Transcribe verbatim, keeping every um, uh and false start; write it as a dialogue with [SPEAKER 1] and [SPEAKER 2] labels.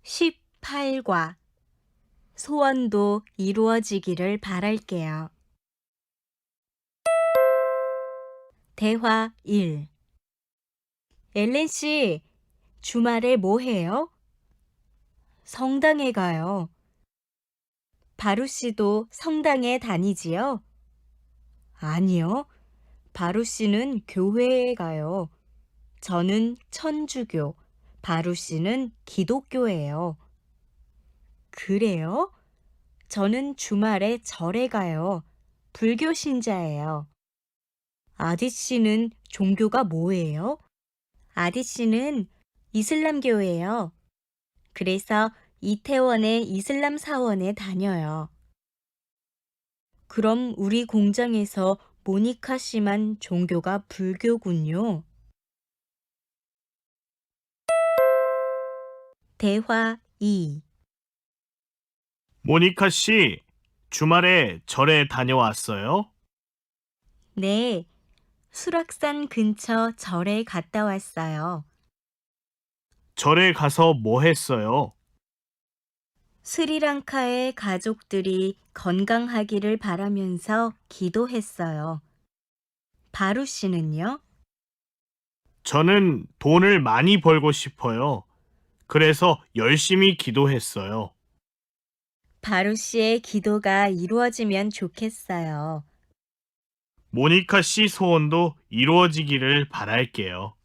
[SPEAKER 1] 십팔 과 소원도 이루어지기를 바랄게요. 대화 일. 엘렌 씨, 주말에 뭐 해요? 성당에 가요. 바루 씨도 성당에 다니지요? 아니요. 바루 씨는 교회에 가요. 저는 천주교, 바루 씨는 기독교예요. 그래요? 저는 주말에 절에 가요. 불교 신자예요. 아디 씨는 종교가 뭐예요? 아디 씨는 이슬람교예요. 그래서 이태원의 이슬람 사원에 다녀요. 그럼 우리 공장에서 모니카 씨만 종교가 불교군요. 대화 이.
[SPEAKER 2] 모니카 씨, 주말에 절에 다녀왔어요?
[SPEAKER 1] 네, 수락산 근처 절에 갔다 왔어요.
[SPEAKER 2] 절에 가서 뭐 했어요?
[SPEAKER 1] 스리랑카의 가족들이 건강하기를 바라면서 기도했어요. 바루 씨는요?
[SPEAKER 2] 저는 돈을 많이 벌고 싶어요. 그래서 열심히 기도했어요.
[SPEAKER 1] 바루 씨의 기도가 이루어지면 좋겠어요.
[SPEAKER 2] 모니카 씨 소원도 이루어지기를 바랄게요.